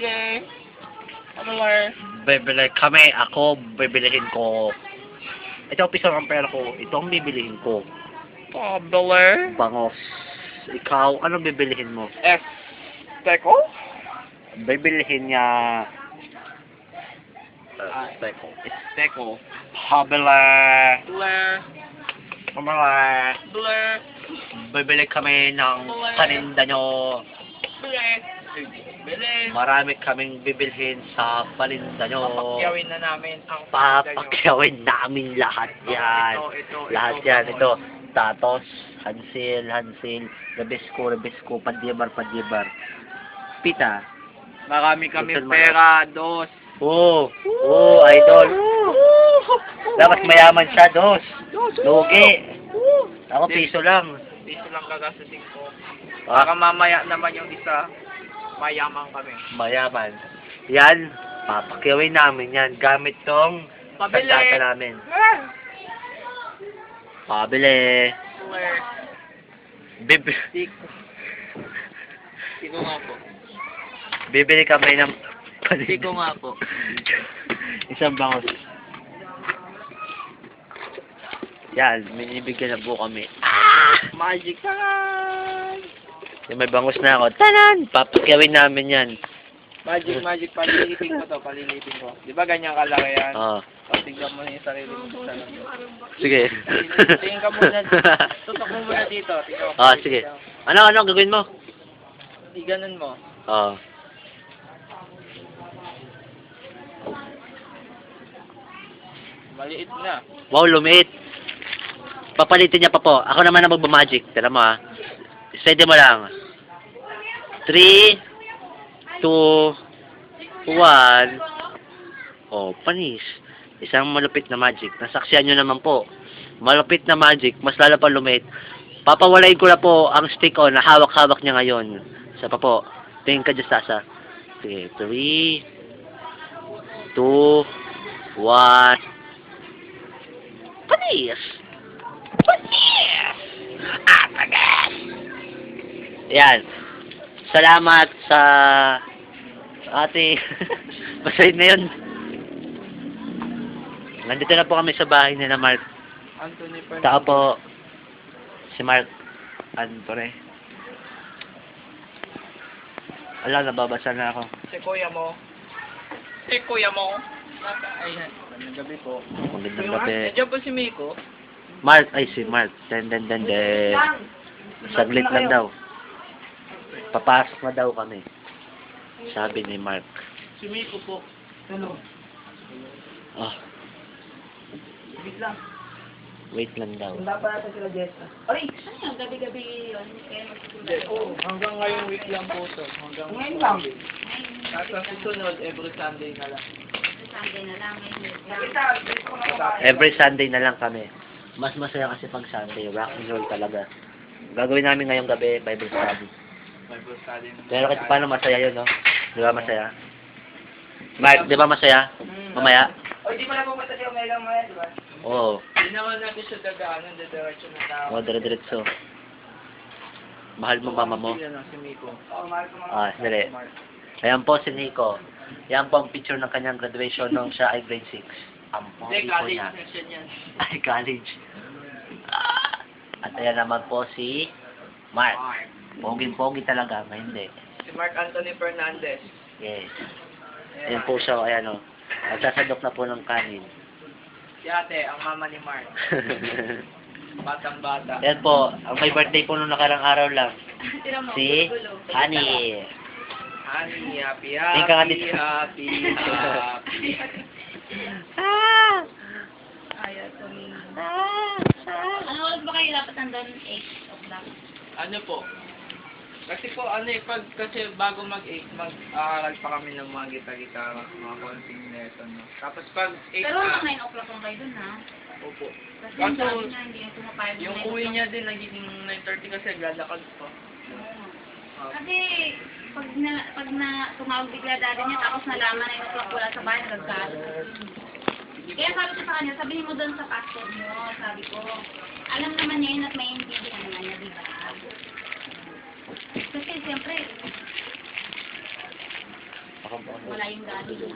Pabili. Pabili. Bibili kami. Ako, bibilihin ko. Ito ang piso ng pera ko. Ito ang bibilihin ko. Pabili. Bangos. Ikaw, ano bibilihin mo? Teko? Bibilihin niya... Teko. Teko. Pabili. Blair. Pabili. Blair. Bibili kami ng paninda nyo. Blair. Bili. Marami kaming bibilhin sa paninda nyo. Papakyawin na namin ang Papakyawin namin lahat yan. Lahat yan. Ito. Tatos. Hansil. Rebesko. Padyebar. Pita. Marami kami Gusto mo- pera, dos. Idol. Dapat mayaman siya, dos. Lugi. Ako, piso lang. Piso lang gagastusin ko. Ah, Baka mamaya naman yung isa, mayaman kami. mayaman. Yan. Papakyawin namin yan. Gamit tong Pabili. sandata namin. Pabili. Where? Siko nga po. Bibili kami ng Siko nga po. Isang bangos. Yan, minibigyan na po kami. Magic time! Yung may bangos na ako. Tanan! Papakyawin namin yan. Magic. Palilipin ko. Di ba ganyan kalaki yan? Oo. Tignan mo na yung sarili mo sa salamin. Sige. Tingin ka muna. Tutok mo muna dito. Tingnan mo. Sige. Ano gagawin mo? Iganon mo. Oo. Maliit na. Wow, lumiit. Papalitin niya pa po. Ako naman ang magmamagic. Tara mo ha. Steady mo lang. 3, 2, 1. Oh, panis. Isang malupit na magic. Nasaksihan nyo naman po. Malupit na magic. Mas lalo pa lumit. Papawalain ko na po ang stick on na hawak-hawak niya ngayon. Isa pa po. Tingin ka dyan, Sasa. Sige. 3, 2, 1. Panis! Atagas! Yan. Salamat sa ate. Basahin na yun. Nandito na po kami sa bahay nila Mark. Anthony Fernandez. Tao po si Mark Antore. Ala, nababasa na ako. Si kuya mo. Ayan. Magandang gabi po. Magandang gabi. Nandiyan po si Miko. Mark, si Mark. Den. Saglit lang daw. Papasok na daw kami. Sabi ni Mark. Si Miko po. Hello. Oh, Wait lang. wait lang daw. Wala pa natin sila Jessa. Ay! Ano, gabi-gabi yun. Kaya Hindi. Oo. Hanggang ngayong week lang po to. Ngayon lang. At ang susunod, every Sunday na lang. Sunday na lang. Every Sunday na lang kami. Mas masaya kasi pag Sunday. Rock and roll talaga. Gagawin namin ngayong gabi, Bible study. Bible study. Pero kasi paano masaya yun, no? Di ba masaya? Mark, di ba masaya? Mamaya? O, di pa na pumunta si Omega Maya, di ba? Oo. Hindi naman natin siya dadaanan, diretso na tao. Dire-diretso. Mahal mo mama mo? Yan si Miko. Oo, mahal ko Dali. Ayan po si Nico. Yan po ang picture ng kanyang graduation nung siya ay grade 6. Ang Hindi, pogi po college niya. section yan. Ay, college. At ayan naman po si Mark. Poging-pogi talaga, may hindi. Si Mark Anthony Fernandez. Yes. Ayan po siya, ayan o. Nagsasadok na po ng kanin. Si ate, ang mama ni Mark. Batang-bata. Ayan po, ang may birthday po nung nakarang araw lang. Si Honey. Honey, happy, Tingin ka nga happy, dito. happy, happy. Ayaw tumingin. Ano oras ba kayo dapat nandun? 8 o'clock. Ano po? Kasi po, kasi bago mag-8, mag-aaral pa kami ng mga gita-gitara, mga konting lesson, no? Tapos pag 8 Pero hanggang 9 o'clock lang kayo dun, ha? opo. Kasi Kaso, sabi niya, hindi yung pumapayag ng Yung 9 uwi o'clock. niya din, nagiging 9:30 kasi lalakad pa. Kasi, pag tumawag bigla daddy niya, tapos nalaman na 9 o'clock wala sa bahay, nagkalo. Kaya sabi ko sa kanya, sabihin mo doon sa pastor mo, sabi ko, alam naman niya yun at may intindihan naman niya, di ba? Kasi siyempre, Ako Wala yung daddy niya.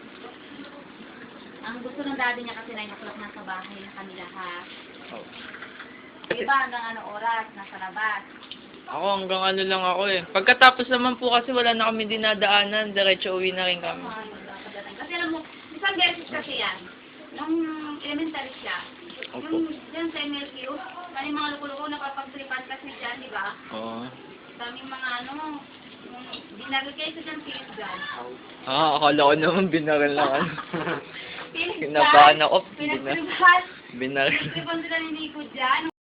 Ang gusto ng daddy niya kasi 9 o'clock nasa bahay na kanila ha. Oh. Yung iba hanggang ano oras, nasa labas. Ako hanggang ano lang ako eh. Pagkatapos naman po kasi wala na kami dinadaanan, diretso uwi na rin kami. Kasi alam mo, isang beses kasi yan. Nung elementary siya. Yung dyan sa MLQ, kaya mga luko-luko nakapagtripan kasi dyan, di ba? Oo. Daming mga ano, dinaril kayo sa dyan, pilis dyan. Akala ko naman binaril lang ano. Pilis dyan. Kinabahan ako. Pinagtripan. Binaril. Pinagtripan sila ni Nico dyan.